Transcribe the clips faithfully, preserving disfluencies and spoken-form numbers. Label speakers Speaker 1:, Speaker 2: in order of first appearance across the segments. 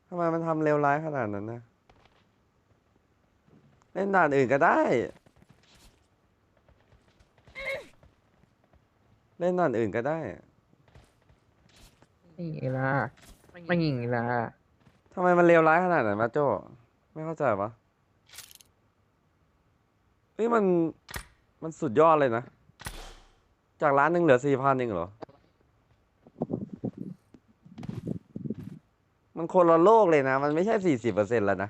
Speaker 1: ทำไมมันทำเลวร้ายขนาดนั้นนะเล่นด่านอื่นก็ได้เล่นด่านอื่นก็ได้
Speaker 2: นี่ล่ะไม่ยิงล่ะ
Speaker 1: ทำไมมันเลวร้ายขนาดนั้นมาโจ้ไม่เข้าใจปะเฮ้ยมันมันสุดยอดเลยนะจากร้านหนึ่งเหลือสี่พันเองเหรอมันคนละโลกเลยนะมันไม่ใช่สี่สิบเปอร์เซ็นต์แล้วนะ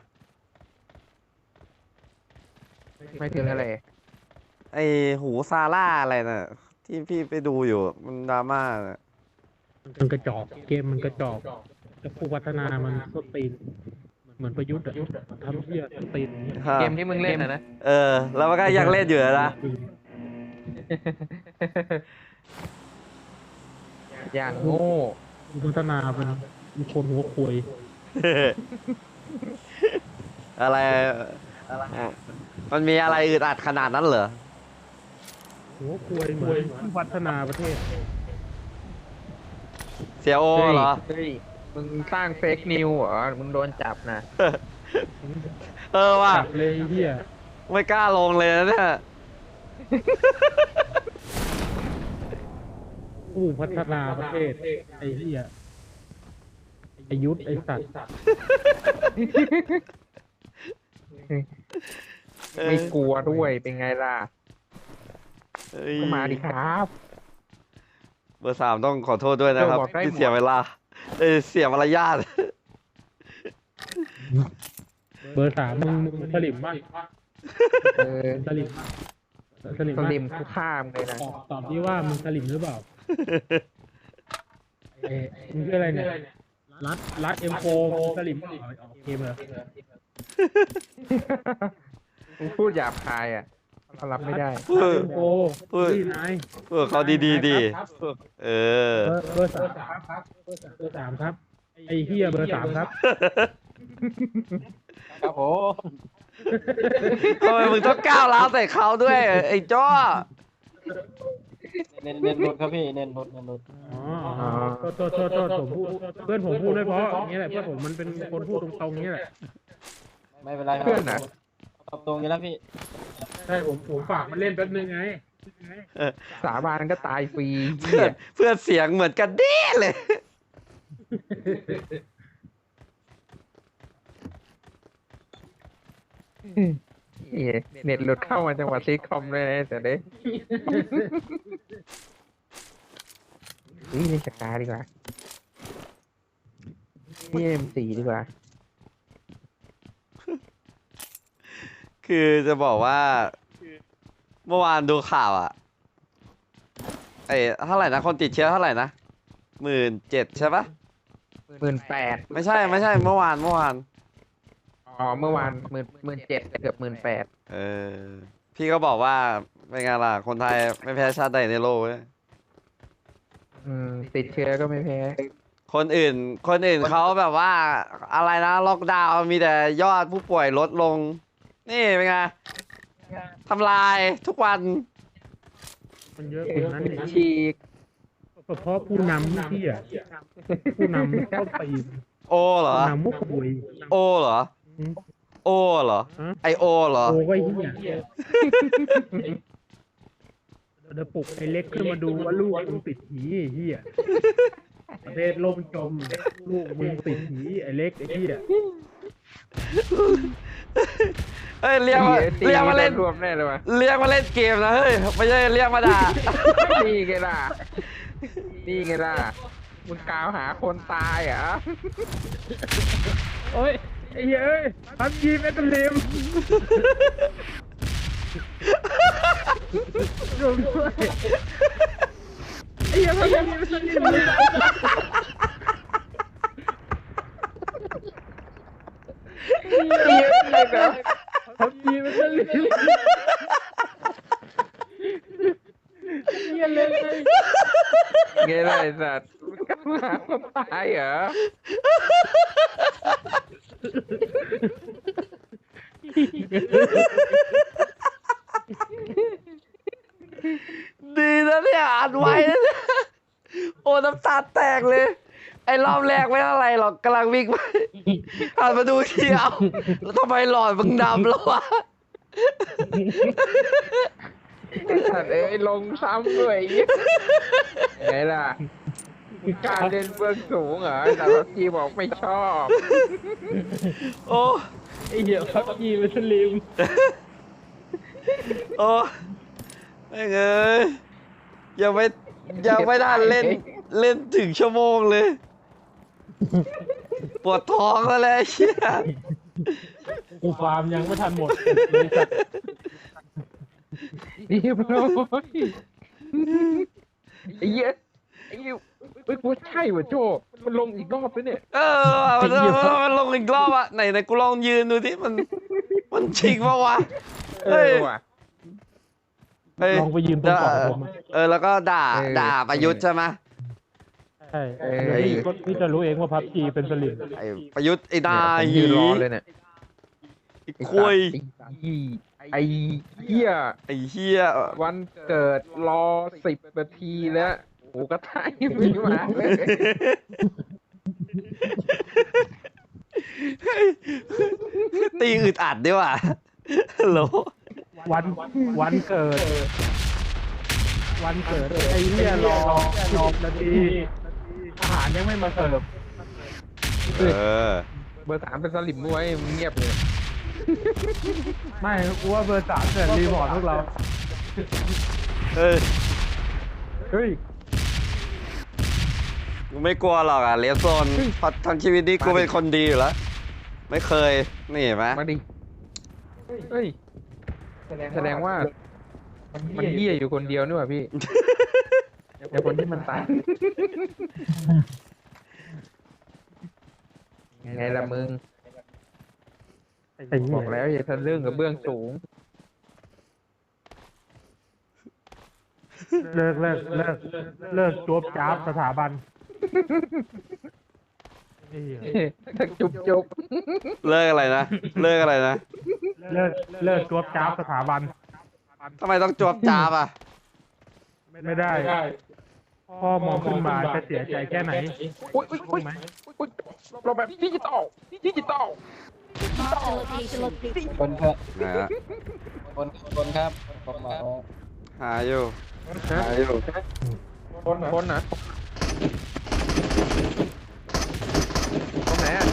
Speaker 2: ไม่ถึงอะไร
Speaker 1: ไอหูซาร่าอะไรน่ะที่พี่ไปดูอยู่มันดราม่าน่ะ
Speaker 3: มันกระจอกเกมมันกระจอกแต่ผู้พัฒนามันก็ตีนเหมือนประยุทธ์อะทำเหี้ยก็ตีน
Speaker 2: เกมที่มึงเล่นนะนะ
Speaker 1: เออแล้วมันก็ยังเล่นอยู่นะ
Speaker 2: อย่างโง่
Speaker 3: ผู้พัฒนาเป็นเป็นคนหัวควย
Speaker 1: อะไรมันมีอะไรอึดอัดขนาดนั้นเหรอ
Speaker 3: หัวควยเหมือนผู้พัฒนาประเทศ
Speaker 1: เสียโอเหรอ
Speaker 2: เฮ้ยมึงสร้างเฟกนิวเหรอมึงโดนจับนะ
Speaker 1: เออว่ะ
Speaker 3: จับเลยเฮีย
Speaker 1: ไม่กล้าลงเลยนะเนี่ย
Speaker 3: ผู้พัฒนาประเทศไอ้เฮียไอ้ยุทธไอ้สัตว์
Speaker 2: ไม่กลัวด้วยเป็นไงล่ะ
Speaker 1: เอ้ย
Speaker 2: ก็มาดิครับ
Speaker 1: เบอร์สามต้องขอโทษด้วยนะครับ
Speaker 2: เออบอกได้
Speaker 1: ที่เสียเวลาเอ้ยเสียมารยาท
Speaker 3: เบอร์สามมึงมึงสลิมมาก
Speaker 2: เออ
Speaker 3: สลิมมากสลิม
Speaker 2: ส
Speaker 3: มาก
Speaker 2: ลิมทุกข้ามเลยนะ
Speaker 3: ตอบตอบที่ว่ามึงสลิมหรือเปล่าเอ๊ะมึงชื่ออะไรเนี่ยรัดรัดเอ็มโฟมึงสลิมเปล่าโอเคเหรอ
Speaker 2: มึงพูดหยาบคายอ่ะเขารับไม่ได้
Speaker 1: เออ
Speaker 3: เอ็มโฟ
Speaker 1: เออ
Speaker 3: พี่นาย
Speaker 1: เออเขาดีๆดีเออ
Speaker 3: เบอร์เบอร์สามครับเบอร์สามครับไอ้เฮียเบอร์สามครับ
Speaker 2: ครับผม
Speaker 1: ทำไมมึงต้องก้าวร้าวใส่เขาด้วยไอ้จ้อ
Speaker 4: เน้นเน้นรถครับพี่เน้นรถเน้นรถ
Speaker 3: อ๋อโทษโทษโทษโทษผมพูดเพื่อนผมพูดไม่เพราะอย่างเงี้ยแหละเพื่อนผมมันเป็นคนพูดตรงๆอย่างเงี้ยแหละ
Speaker 4: ไม่เป็นไรครับ
Speaker 2: เพื่อนนะ
Speaker 4: ตอบตรงอยู่แล้วพี่
Speaker 3: ใช่ผมผมฝากมันเล่นแป๊บนึงไง
Speaker 2: สาบานก็ตายฟรี
Speaker 1: เพื่อนเพื่อนเสียงเหมือนกันเด้เลย
Speaker 2: เหี้ยเน็ตหลุดเข้ามาจังหวัดซีคอมเลยนะแต่เด้นี่เล่นสกาดีกว่านี่เอ็มสี่ดีกว่า
Speaker 1: คือจะบอกว่า เมื่อวานดูข่าวอ่ะไอ้เท่าไหร่นะคนติดเชื้อเท่าไหร่นะหมื่นเจ็ดใช่ปะ
Speaker 2: หมื่นแปด
Speaker 1: ไม่ใช่ไม่ใช่เมื่อวานเมื่อวาน
Speaker 2: อ๋อเมื่อวานหมื่นหมื่นเจ็ดเกือบหมื่นแปด
Speaker 1: เออพี่ก็บอกว่าเป็นไงล่ะคนไทยไม่แพ้ชาติใดในโลกเว้ย
Speaker 2: อืมติดเชื้อก็ไม่แพ้
Speaker 1: คนอื่น คนอื่นเขาแบบว่าอะไรนะล็อกดาวน์มีแต่ยอดผู้ป่วยลดลง นี่เป็นไงทำลายทุกวัน
Speaker 3: มันเยอะกว่านั้นอีก
Speaker 2: ฉีก
Speaker 3: ก็เพราะผู้นำที่อ่ะผู้นำเข้าตีน
Speaker 1: โอเหรอ
Speaker 3: ผู้นำมุกบุย
Speaker 1: โอเหรอ โอเหรอ
Speaker 3: ฮะ
Speaker 1: ไอโอเหรอ
Speaker 3: โอ้ก็เฮียเดี๋ยวปลุกไอ้เล็กขึ้นมาดูว่าลูกมึงติดหีไอ้เฮียประเทศล่มจมลูกมึงติดหีไอ้เล็กไอ้เฮีย
Speaker 1: เฮ้ยเรียกมา
Speaker 2: ตี
Speaker 1: เรียกมาเล่น
Speaker 2: รวมแน่เลยวะ
Speaker 1: เรียกมาเล่นเกมนะเฮ้ยไม่ใช่เรียกมาด่า
Speaker 2: นี่ไงล่ะนี่ไงล่ะมึงกล่าวหาคนตายเหรอ
Speaker 3: โอ้ยไอ้เหี้ยเอ้ยพับยีแมตเตอร์เลมรวมด้วยไอ้เหี้ยพับยีแมตเตอร์เลมพับยีแมตเตอร์เลมเหี้ยเลย
Speaker 2: ไงล่ะไอ้สัตว์มึงกล่าวหาคนตายเหรอ
Speaker 1: ดีนะเนี่ยอ่านไว้นะเนี่ยโอ้น้ำตาแตกเลยไอ้รอบแรกไม่เท่าไรหรอกกำลังวิ่งไปหันมาดูทีเอาแล้วทำไมหลอดมึงดำแล้ววะ
Speaker 2: ไอ้สัตว์เอ้ยลงซ้ำด้วยไงล่ะการเล่นเบื้องสูงเหรอแต่พับจีบอกไม่ชอบ
Speaker 1: โอ้
Speaker 3: ไอ้เหี้ยพับจีเป็นสลิม
Speaker 1: โอ้ไม่เงยยังไม่ยังไม่ได้เล่นเล่นถึงชั่วโมงเลย ปวดท้องแล้วแหละไอ้เชี่ย
Speaker 3: กูฟาร์มยังไม่ทันหมดเลยสัตว์
Speaker 2: เรียบร้อยไอ้เหี้ยไอ้เหี้ยเฮ้ยกูว่าใช่ว่ะโจมันลงอีกรอบแล้วเนี่ย
Speaker 1: เออมันมันลงอีกรอบอะไหนไหนกูลองยืนดูที่มันมันชิงปะวะ
Speaker 2: เอ
Speaker 1: เฮ้ย
Speaker 2: อว่ะ
Speaker 1: เฮ้ย
Speaker 3: ลองไปยืนตรงก่อนผมอะ
Speaker 1: เออแล้วก็ด่า
Speaker 2: เออ
Speaker 1: ด่าประยุทธ์ใช่ไหม
Speaker 3: ใช่
Speaker 2: เออ
Speaker 3: เดี๋ยวพี่ก็พี่จะรู้เองว่าพับจีเป็นสลิม
Speaker 1: ไอ้ประยุทธ์ไอ้นาย
Speaker 2: ผมยืนรอเลยเนี่ย
Speaker 1: ไอ้คุย
Speaker 2: ไอ้เหี้ย
Speaker 1: ไอ้เฮีย
Speaker 2: วันเกิดรอสิบนาทีแล้วโอ้ก็ท่ายังไม่มาเลย
Speaker 1: ตีอึดอัดด้วยว่ะฮัลโหล
Speaker 3: วันวันเกิด วันเกิดไอ้เหี้ยรอรอนาทีอาหารยังไม่มาเสิร์ฟ
Speaker 1: เออ
Speaker 2: เบอร์สามเป็นสลิมด้วยมึงเงียบเลย
Speaker 3: ไม่กูว่าเบอร์สามเกิดรีพอร์ตพวกเรา
Speaker 1: เอ้ย
Speaker 3: เฮ้ย
Speaker 1: กูไม่กลัวหรอกอ่ะเลสโซนเพราะทั้งชีวิตนี้กูเป็นคนดีอยู่แล้ว ไม่เคย นี่เห็นไหม
Speaker 2: มาดิเฮ้ยแสดงว่า มันเหี้ยอยู่คนเดียวนี่หว่าพี่แต่คนที่มันตายไงล่ะมึง
Speaker 3: ไอ้เหี้
Speaker 2: บ
Speaker 3: ย
Speaker 2: อกแล้วอย่าทะลึ่งกับเบื้องสูง
Speaker 3: เลิกเลิกเลิกเลิกจวบจ้าบสถาบันไอ้เหี้ย
Speaker 2: จุบจุบ
Speaker 1: เลิกอะไรนะ เลิกอะไรนะ
Speaker 3: เลิกเลิกจวบจ้าบสถาบัน
Speaker 1: ทำไมต้องจวบจาบอ่ะ
Speaker 3: ไม่ได้ พ่อมองขึ้นมาจะเสียใจแค่ไหน
Speaker 2: อุ้ยอุ้ยอุ้ย
Speaker 3: ไหม
Speaker 2: อุ้ยเราแบบดิจิตอลดิจิตอล
Speaker 4: คนครับ
Speaker 1: นะฮะ
Speaker 4: คนคนครับผมมา
Speaker 1: หาอยู่
Speaker 2: ฮะ
Speaker 1: หาอยู่
Speaker 2: คนคนนะตรงไหนอ่ะ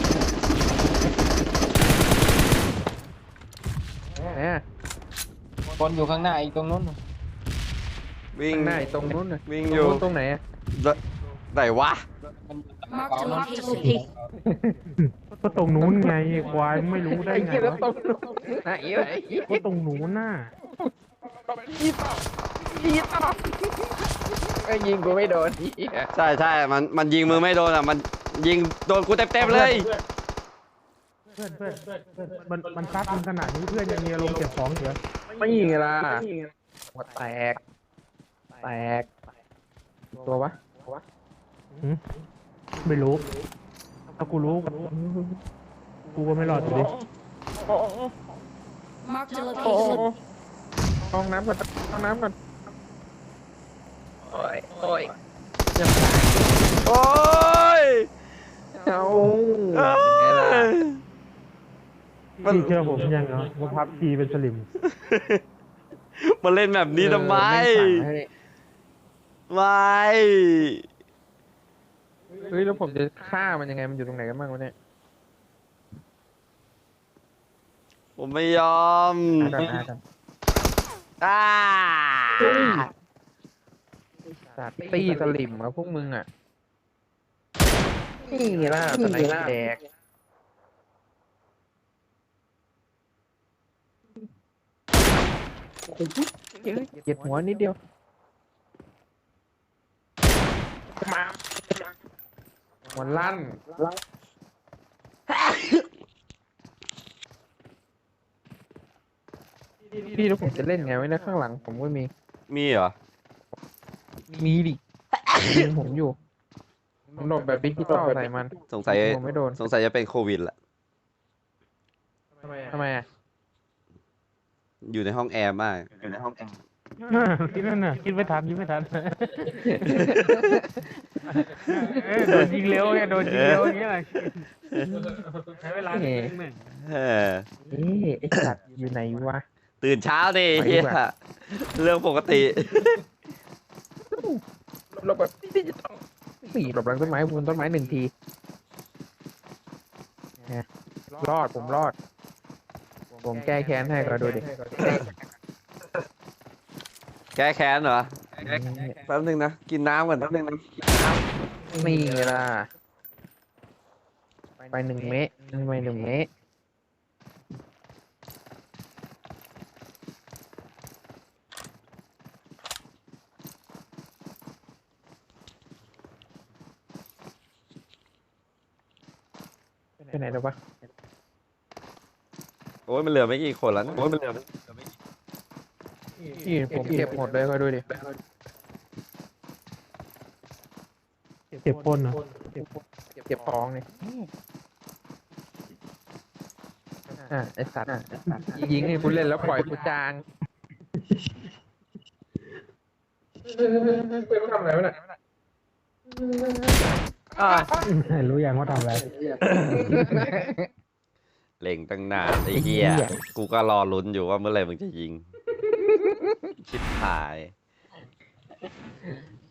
Speaker 2: ไหนอ่ะ
Speaker 4: คนอยู่ข้างหน้าอีกตรงนู้น
Speaker 1: วิ่ง
Speaker 2: ข้างหน้าตรงนู้นน่ะ
Speaker 1: วิ่ง
Speaker 2: ตรง
Speaker 1: อยู่
Speaker 2: นู้นตรงไหนอ่ะ
Speaker 1: ไหนวะ
Speaker 4: มัน
Speaker 5: Marked a location.
Speaker 3: ก็ตรงนู้นไงควายไม่รู้ได้
Speaker 2: ไอ้
Speaker 3: ไง
Speaker 2: เหี้ยแล้ว
Speaker 3: วะ
Speaker 2: ตรงนู้นไหนวะไอ้เหี้ย
Speaker 3: ก็ตรงนู้นน่ะ
Speaker 2: ดิจิตอลดิจิตอลไอ้ยิงกูไม่โดนไอ้เหี้ย
Speaker 1: ใช่ใช่มันมันยิงมือไม่โดนอ่ะ มันยิงโดนกูเต็มๆเลย
Speaker 3: เพื่อนเพื่อนเพื่อนมันมันซัดมันขนาดนี้เพื่อนยังมีอารมณ์เก็บของเถอะ
Speaker 2: ไม่ยิงล่ะหัวแตกแตกตัววะ
Speaker 3: หืมไม่รู้ ถ้ากูรู้ กูก็ไม่รอดอยู่ดิ
Speaker 5: Marked a
Speaker 2: โอ้
Speaker 5: location.
Speaker 2: ห้องน้ำก่อนห้องน้ำก่อนโอ้ยโอ้ยยัง
Speaker 1: โอ้ย
Speaker 2: เอา
Speaker 1: เอ้
Speaker 2: ไงล่ะ
Speaker 1: ย มัน
Speaker 3: พี่เชื่อผมยังเหรอว่าพับทีเป็นสลิม
Speaker 1: มาเล่นแบบนี้ทำไม
Speaker 2: เออแงสั่งให้
Speaker 1: ไม่
Speaker 2: เฮ้ยแล้วผมจะฆ่ามันยังไงมันอยู่ตรงไหนกันบ้างวะเนี่ย
Speaker 1: ผมไม่ยอม
Speaker 2: หากันหากัน
Speaker 1: อ่า
Speaker 2: สัตว์ตี้สลิมอะพวกมึงอะนี่ไงล่ะสไนแดกโอ้โหเหยียดหัวนิดเดียวมาหัวลั่นพี่แล้วผมจะเล่นไงไว้นะข้างหลังผมก็มี
Speaker 1: มีเหรอ
Speaker 2: มีดิยิงผมอยู่ผมโดดแบบดิจิตอลใส่มัน
Speaker 1: สงสัย
Speaker 2: ผมไม่โดน
Speaker 1: สงสัยจะเป็นโควิดแหละ
Speaker 2: ทำไมอะ
Speaker 1: อยู่ในห้องแอร์มาก อยู่ในห้องแอร์
Speaker 3: คิดนั่นน่ะคิดไม่ทันคิดไม่ทันเอ้ยโดนยิงเร็วไงโดนยิงเร็วอย่างเงี้ยใช้เวลานิดนึงหนึ่ง
Speaker 1: เออ
Speaker 2: เอ๊ะไอ้สัตว์อยู่ไหนวะ
Speaker 1: ตื่นเช้าดิ
Speaker 2: ไปดี
Speaker 1: เฮีย
Speaker 2: กว่า
Speaker 1: เรื่องปกติ
Speaker 2: หลบแบบที่จะต้องสี่หลบหลังต้นไม้บนต้นไม้หนึ่งทีนะรอดผมรอด ผมแก้แค้นให้ก็ดูดิ
Speaker 1: แก้แค้นเหรอแป๊บนึงนะกินน้ำก่อนแป๊บนึงนะ
Speaker 2: นี่ล่ะ ไปหนึ่งเมตรไปหนึ่งเมตรไปไหนแล้ววะ
Speaker 1: โอ้ยมันเหลือไม่กี่คนแล้วนะโอ้ยมันเหลือไม่
Speaker 2: นี่ผมเก็บหมดเลยก็ดูดิ
Speaker 3: เจ็บคนเหรอ
Speaker 2: เก็บของเนี่ยอ่ะไอสัตว์ยิงให้กูเล่นแล้วปล่อยกูจางเป็นทำอะไรวะเนี่ย
Speaker 1: อ่ะ
Speaker 3: รู้ยังว่าทำอะไร
Speaker 1: เล็งตั้งนานไอ้เหี้ยกูก็รอลุ้นอยู่ว่าเมื่อไหร่มึงจะยิงชิบหาย